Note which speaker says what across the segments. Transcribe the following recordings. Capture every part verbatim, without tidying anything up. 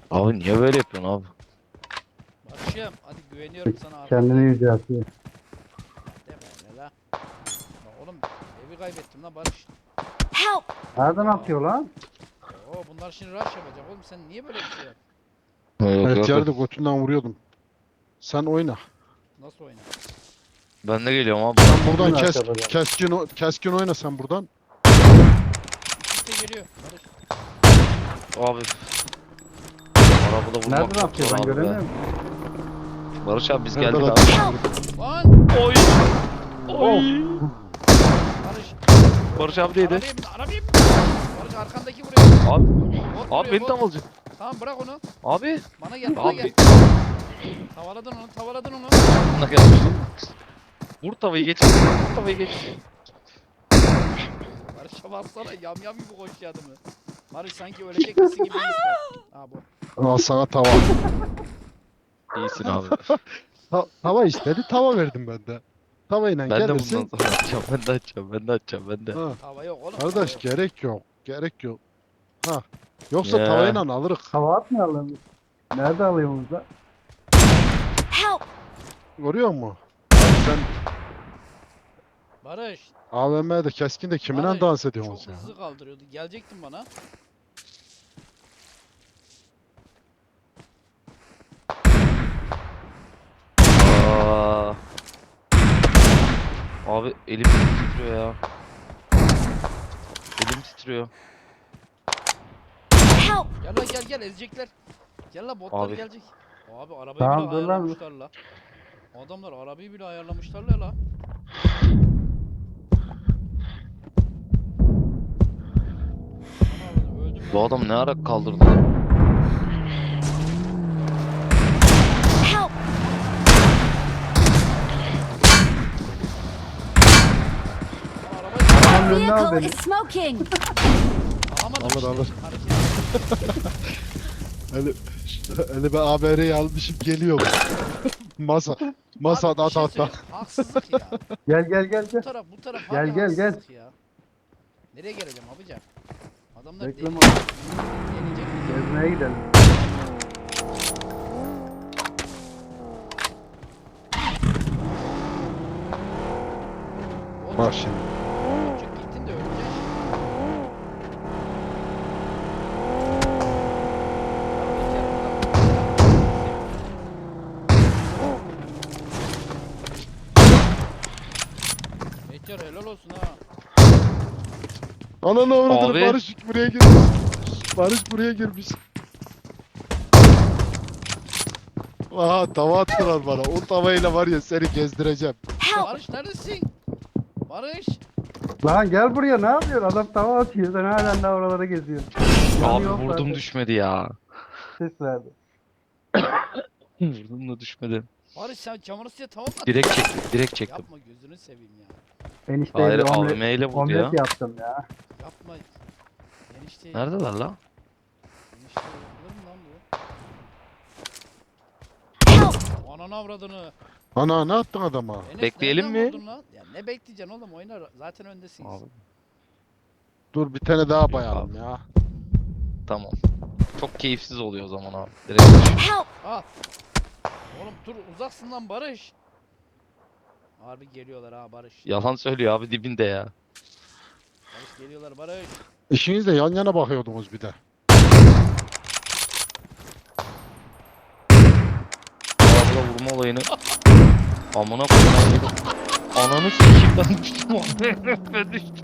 Speaker 1: Abi niye böyle yapıyorsun abi?
Speaker 2: Barış'ım hadi güveniyorum sana
Speaker 3: Kendini
Speaker 2: arkadaşlar.
Speaker 3: yüceltiyor.
Speaker 2: Deme öyle la. La oğlum evi kaybettim la Barış.
Speaker 4: Help!
Speaker 3: Nereden
Speaker 2: Ya.
Speaker 3: atıyor lan?
Speaker 2: Oo bunlar şimdi rush yapacak oğlum sen niye böyle bir şey yap?
Speaker 1: Yok
Speaker 5: Evet
Speaker 1: yok yok.
Speaker 5: yerde götünden vuruyordum. Sen oyna.
Speaker 2: Nasıl oynar?
Speaker 1: Ben de geliyorum abi.
Speaker 5: Sen buradan
Speaker 3: Nasıl
Speaker 5: kes,
Speaker 3: yapacağım?
Speaker 5: keskin, o- keskin oyna sen buradan.
Speaker 2: İkisi de geliyor. Barış.
Speaker 1: Abi. Arabada vurmak
Speaker 3: Nereden
Speaker 1: çok
Speaker 3: atıyor
Speaker 1: zor
Speaker 3: ben
Speaker 1: abi be.
Speaker 3: göremiyorum.
Speaker 1: Barış abi biz
Speaker 5: Nereden
Speaker 1: geldik abi.
Speaker 5: atıyor?
Speaker 2: Lan!
Speaker 1: Oy. Oy.
Speaker 2: Barış.
Speaker 1: Barış abi neydi?
Speaker 2: Arabaya bin, arabaya bin. Barış arkandaki vuruyor.
Speaker 1: Abi.
Speaker 2: Bot
Speaker 1: Abi
Speaker 2: vuruyor,
Speaker 1: beni
Speaker 2: bot.
Speaker 1: tam alacak.
Speaker 2: Tamam bırak onu.
Speaker 1: Abi.
Speaker 2: Bana gel bana
Speaker 1: Abi.
Speaker 2: gel. Tavaladın onu tavaladın onu.
Speaker 1: Buna gelmiştim. Vur tavayı geç. Vur tavayı geç.
Speaker 2: Barış'a baksana yam yam gibi koşuyor adamı. Barış sanki ölecek misin gibi his var. Ha bu.
Speaker 5: Al sana tava.
Speaker 1: İyisin abi.
Speaker 5: Ta- tava istedi, tava verdim ben de. Tavayla
Speaker 1: Ben de
Speaker 5: gelirsin.
Speaker 1: bundan sonra açacağım. Ben de açacağım. Ben de açacağım. Ben de.
Speaker 5: Ha,
Speaker 2: Hava yok oğlum.
Speaker 5: kardeş
Speaker 2: hava yok.
Speaker 5: gerek yok. Gerek yok. Ha. Yoksa
Speaker 1: Ya.
Speaker 5: tavayla alırız.
Speaker 3: Hava atmayalım. Nerede alıyorsunuz da?
Speaker 4: Help!
Speaker 5: Görüyor musun? Sen
Speaker 2: Barış.
Speaker 5: A V M'de keskin de kiminle
Speaker 2: Barış,
Speaker 5: dans ediyorsun
Speaker 2: çok
Speaker 5: sen?
Speaker 2: hızlı kaldırıyordu. Gelecektin bana.
Speaker 1: Aa. Abi elim titriyor ya. Elim titriyor.
Speaker 4: Help!
Speaker 2: Gel lan gel gel ezecekler. Gel lan botlar
Speaker 1: Abi.
Speaker 2: gelecek. Abi arabayı
Speaker 3: Tamam,
Speaker 2: bile
Speaker 3: dur lan.
Speaker 2: ayarlamışlar la. Adamlar arabayı bile ayarlamışlar la la. Ana, öldüm
Speaker 1: Bu
Speaker 2: lan.
Speaker 1: adam ne ara kaldırdı?
Speaker 4: Help!
Speaker 2: Lan arabayı
Speaker 3: Arabanın önüne al
Speaker 4: Vehicle
Speaker 3: beni.
Speaker 4: is smoking!
Speaker 2: alamadım
Speaker 5: Alır,
Speaker 2: işte.
Speaker 5: alır.
Speaker 2: Hareket-
Speaker 5: Eli, eli ben A B R'yi almışım geliyorum. Masa. Masa
Speaker 2: Abi, bir
Speaker 5: at
Speaker 2: şey
Speaker 5: at at.
Speaker 2: söyleyeyim, Haksızlık ya.
Speaker 3: Gel gel gel
Speaker 2: Bu
Speaker 3: gel.
Speaker 2: taraf bu taraf
Speaker 3: Gel,
Speaker 2: harbi
Speaker 3: gel, gel.
Speaker 2: haksızlık ya. Nereye geleceğim abican? Adamlar deli.
Speaker 3: Bekleme.
Speaker 2: Gelecek mi?
Speaker 3: Gezmeye gidelim.
Speaker 5: Bak şimdi.
Speaker 2: Çık gittin de öleceksin. Meteor helal olsun ha.
Speaker 5: Ananı avradını
Speaker 1: Abi.
Speaker 5: Barış buraya girmiş. Barış buraya girmiş. Aha tava attılar bana. O tavayla var ya seni gezdireceğim.
Speaker 4: Help!
Speaker 2: Barış neredesin? Barış.
Speaker 3: Lan gel buraya ne yapıyorsun? Adam tava atıyor. Sen halen daha oralara geziyorsun. Yanı
Speaker 1: Abi
Speaker 3: yok
Speaker 1: vurdum
Speaker 3: zaten.
Speaker 1: düşmedi ya.
Speaker 3: Ses verdi.
Speaker 1: Vurdum da düşmedi.
Speaker 2: Barış sen çamur suya tamam mı?
Speaker 1: Direkt çektim. Direkt çektim.
Speaker 2: Yapma gözünü seveyim ya.
Speaker 3: Enişte
Speaker 1: Hayır
Speaker 3: bir
Speaker 1: A V
Speaker 3: omlet,
Speaker 1: M ile vurdu
Speaker 3: omlet
Speaker 1: ya.
Speaker 3: yaptım ya.
Speaker 2: Yapma. Enişte.
Speaker 1: Neredeler la?
Speaker 2: Enişte yapılır mı lan
Speaker 4: Help!
Speaker 2: bu? Ananı avradını.
Speaker 5: Ana ne attın adama?
Speaker 2: Enes
Speaker 1: Bekleyelim
Speaker 2: nereden
Speaker 1: mi?
Speaker 2: vurdun lan? Ya ne bekleyeceksin oğlum oyna zaten öndesiniz.
Speaker 1: Abi
Speaker 5: Dur bir tane daha bayalım ya.
Speaker 1: tamam. Çok keyifsiz oluyor o zaman abi. Direkt.
Speaker 4: Help!
Speaker 2: Al. Oğlum dur uzaksın lan Barış. Harbi geliyorlar ha Barış.
Speaker 1: Yalan söylüyor abi dibinde ya.
Speaker 2: Barış geliyorlar Barış.
Speaker 5: İşiniz de yan yana bakıyordunuz bir de.
Speaker 1: Arabada vurma olayını. Amına koyayım. Ananı sikeyim ben düştüm abi. Ben düştüm.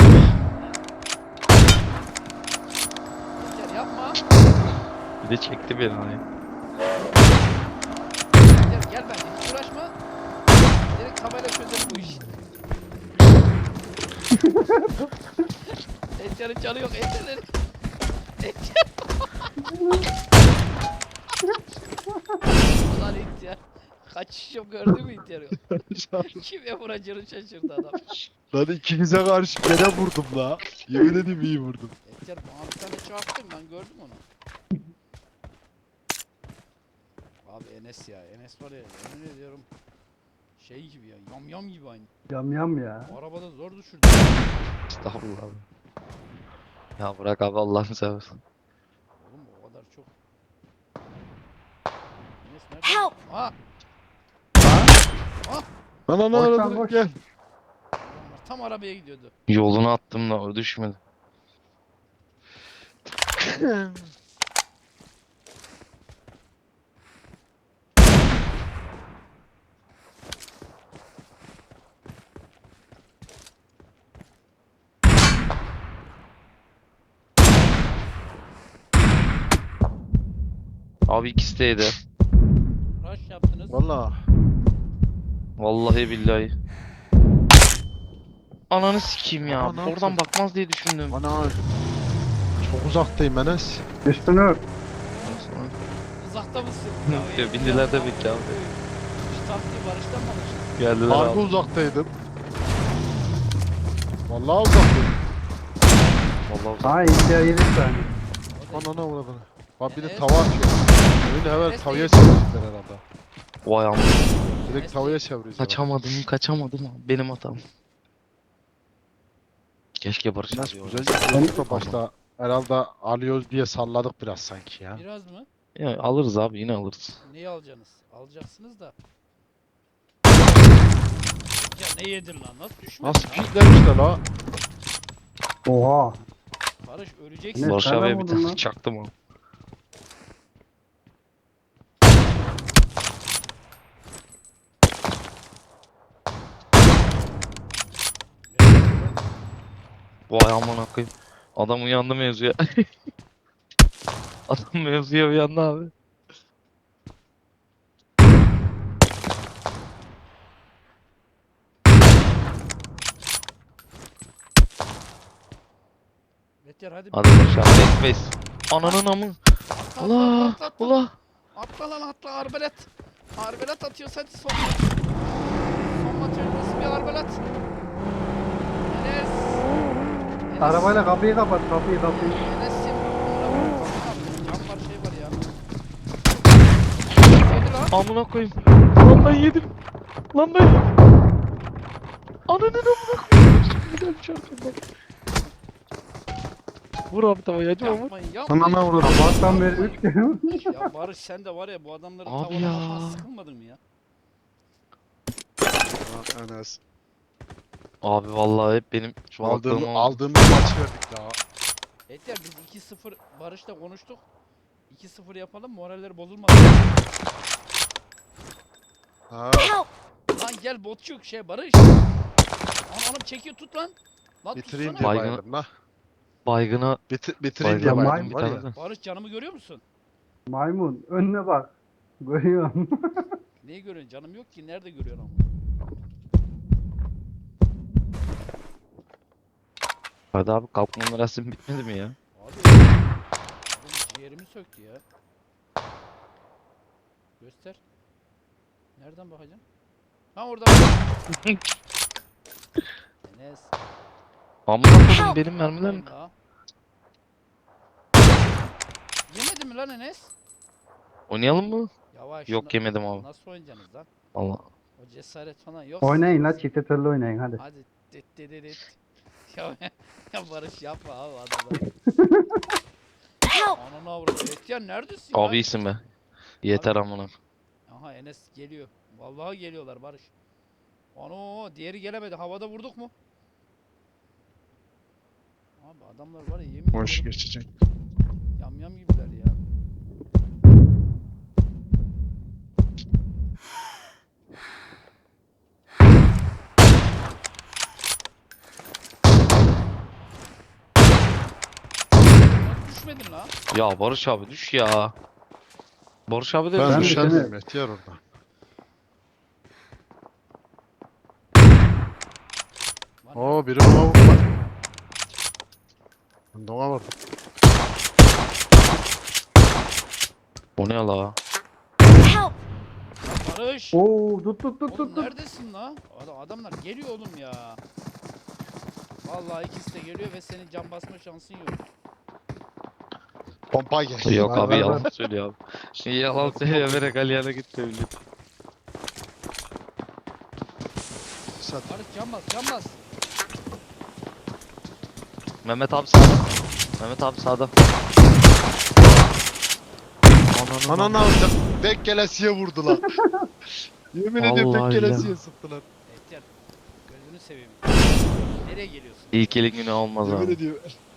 Speaker 2: Gel yapma.
Speaker 1: Bir de çekti beni hani.
Speaker 2: Gel gel bence hiç uğraşma. Direkt tabela çözelim bu işi. Etçar'ın canı yok Etçar'ın. Etçar. Ulan Etçar. Kaçış yok gördün mü Etçar'ı? Kime vuracağını şaşırdı adam.
Speaker 5: Lan ikinize karşı gene vurdum la. Yemin edeyim iyi vurdum.
Speaker 2: Etçar bana bir tane çarptın ben gördüm onu. Abi Enes ya Enes var ya yemin ediyorum. Şey gibi ya yam yam gibi aynı.
Speaker 3: Yam yam ya.
Speaker 2: Arabada zor düşürdü.
Speaker 1: Estağfurullah abi. Ya bırak abi Allah'ını seversen.
Speaker 2: Oğlum o kadar çok. Nereden?
Speaker 4: Help!
Speaker 2: Aa,
Speaker 5: Lan lan
Speaker 3: Boş lan,
Speaker 5: lan
Speaker 3: boş.
Speaker 5: gel.
Speaker 2: adamlar tam arabaya gidiyordu.
Speaker 1: Yolunu attım da o düşmedi. Abi ikisi deydi.
Speaker 2: Rush yaptınız.
Speaker 5: Valla.
Speaker 1: Vallahi billahi. Ananı sikeyim ya.
Speaker 5: Aa, ne
Speaker 1: Oradan
Speaker 5: yaptın?
Speaker 1: bakmaz diye düşündüm.
Speaker 5: Ana. Çok uzaktayım Enes.
Speaker 3: Üstünü ört.
Speaker 2: Uzakta mısın?
Speaker 1: Ya, bindiler tabii ki abi.
Speaker 2: Şu taktiği Barış'tan mı alıştın?
Speaker 1: Geldiler
Speaker 5: Harbi
Speaker 1: abi.
Speaker 5: uzaktaydım. Vallahi uzaktayım.
Speaker 1: Vallahi
Speaker 3: Ha İndiya yedi saniye.
Speaker 2: O da-
Speaker 5: Anana uğradın. Bak bir de
Speaker 2: Enes.
Speaker 5: tava atıyor. Oyunu hemen
Speaker 2: Enes
Speaker 5: tavaya
Speaker 2: değil.
Speaker 5: çevirecekler herhalde.
Speaker 1: Vay amma.
Speaker 5: Direkt
Speaker 2: Enes
Speaker 5: tavaya
Speaker 2: değil.
Speaker 5: çevirecekler.
Speaker 1: Kaçamadım, kaçamadım abi. Benim hatam. Keşke Barış
Speaker 5: Enes
Speaker 1: abi
Speaker 5: güzel
Speaker 1: orada.
Speaker 5: yapıyorduk da başta herhalde alıyoruz diye salladık biraz sanki ya.
Speaker 2: Biraz mı?
Speaker 1: Ya alırız abi, yine alırız.
Speaker 2: Neyi alacaksınız? Alacaksınız da. Ya ne yedin lan? Nasıl düşmedin
Speaker 5: Nasıl
Speaker 2: lan?
Speaker 5: kilitlemişler la?
Speaker 3: Oha.
Speaker 2: Barış öleceksin.
Speaker 3: Ne?
Speaker 1: Barış
Speaker 3: nereden
Speaker 1: abiye bir
Speaker 3: buldun
Speaker 1: tane
Speaker 3: lan?
Speaker 1: çaktım abi. Vay aman koyayım. Adam uyandı mevzuya. Adam mevzuya uyandı abi.
Speaker 2: Beter hadi.
Speaker 1: Hadi Barış abi. Face face. Ananın amı.
Speaker 2: Atla,
Speaker 1: Ula.
Speaker 2: atla, atla, atla.
Speaker 1: Ula.
Speaker 2: Atla lan atla arbelet. Arbelet atıyoruz hadi son. Son maç öncesi bir arbelet. Enes. Enes.
Speaker 3: Arabayla kapıyı kapat, kapıyı kapıyı.
Speaker 2: Enes'im. Cam var şey var ya. Yedi lan.
Speaker 1: Amına koyayım. Lan ben yedim. Lan ben yedim. Ananın amına koyayım. Çok güzelmiş arkamdan. Vur abi tavayı acıma vur.
Speaker 2: Yapmayın yapmayın.
Speaker 5: Anana uğradım.
Speaker 3: Sabahtan beri üç kere.
Speaker 2: Ya Barış sen de var ya bu adamların
Speaker 1: Abi
Speaker 2: tavalamaktan
Speaker 1: ya.
Speaker 2: sıkılmadın mı ya?
Speaker 5: Lan Enes.
Speaker 1: Abi vallahi hep benim şu
Speaker 5: Aldığım,
Speaker 1: aklım aldı.
Speaker 5: aldığımız maçı verdik daha.
Speaker 2: Yeter biz iki sıfır Barış'la konuştuk. iki sıfır yapalım moralleri bozulmasın.
Speaker 5: Ha.
Speaker 4: Help!
Speaker 2: Lan gel botçuk şey Barış. Lan oğlum çekiyor tut lan. Lan
Speaker 5: Bitireyim
Speaker 2: tutsana.
Speaker 5: diye
Speaker 1: Baygın-
Speaker 5: bayıldım la.
Speaker 1: Baygına
Speaker 5: Bitir, bitireyim
Speaker 1: baygına
Speaker 5: diye
Speaker 3: Baygın
Speaker 5: bayıldım
Speaker 1: bir
Speaker 5: var
Speaker 1: tane
Speaker 5: ya.
Speaker 1: de.
Speaker 2: Barış canımı görüyor musun?
Speaker 3: Maymun önüne bak. Görüyorum.
Speaker 2: Neyi görüyorsun? Canım yok ki. Nerede görüyorsun ama?
Speaker 1: Hadi abi kalkma merasim bitmedi mi ya?
Speaker 2: Abi adam ciğerimi söktü ya. Göster. Nereden bakacaksın? Ha orada. Enes.
Speaker 1: Amına koyayım benim mermilerim.
Speaker 2: yapmayın la. Yemedi mi lan Enes?
Speaker 1: Oynayalım mı?
Speaker 2: Yavaş.
Speaker 1: Yok
Speaker 2: na-
Speaker 1: yemedim abi.
Speaker 2: Nasıl oynayacaksınız lan?
Speaker 1: Allah.
Speaker 2: O cesaret falan yok.
Speaker 3: Oynayın la, çifte türlü oynayın hadi.
Speaker 2: Hadi. Dit dit dit dit. Ya, ya Barış yapma abi adamlar.
Speaker 4: Help!
Speaker 2: Ananı avradı. Etyen neredesin
Speaker 1: Abi
Speaker 2: lan?
Speaker 1: iyisin be. Yeter amına.
Speaker 2: Aha Enes geliyor. Vallahi geliyorlar Barış. Ano diğeri gelemedi. Havada vurduk mu? Abi adamlar var ya yemin
Speaker 5: Boş
Speaker 2: ediyorum
Speaker 5: geçecek.
Speaker 2: yam yam gibiler ya. Nasıl düşmedin lan?
Speaker 1: Ya Barış abi düş ya. Barış abi de
Speaker 5: Ben
Speaker 3: Ben
Speaker 1: düş.
Speaker 3: düşer-
Speaker 5: düşerdim Mehtiyar orada.
Speaker 2: Lan
Speaker 5: Oo biri ona vurdu bak. Ben de ona vurdum.
Speaker 1: O ne la?
Speaker 4: Help!
Speaker 2: Barış.
Speaker 3: Oo tut tut tut
Speaker 2: Oğlum
Speaker 3: tut tut.
Speaker 2: neredesin la? Adam, adamlar geliyor oğlum ya. Vallahi ikisi de geliyor ve senin can basma şansın yok.
Speaker 5: Pompa geldi.
Speaker 1: Yok
Speaker 3: Var,
Speaker 1: abi
Speaker 3: var,
Speaker 1: yalan
Speaker 3: var.
Speaker 1: söylüyor abi. Şimdi yalan söyleyerek Aliyan'a git söylüyor.
Speaker 5: Sat.
Speaker 2: Barış can bas can bas.
Speaker 1: Mehmet abi sağda. Mehmet abi sağda. Ananı
Speaker 5: Ananı avradım. Denk gelesiye vurdular. Yemin ediyorum
Speaker 1: Vallahi
Speaker 5: denk
Speaker 1: ya.
Speaker 5: gelesiye sıktılar.
Speaker 2: Ehtiyar gözünü seveyim. Nereye geliyorsun?
Speaker 1: İlk elin günü olmaz
Speaker 5: Yemin
Speaker 1: abi.
Speaker 5: ediyorum.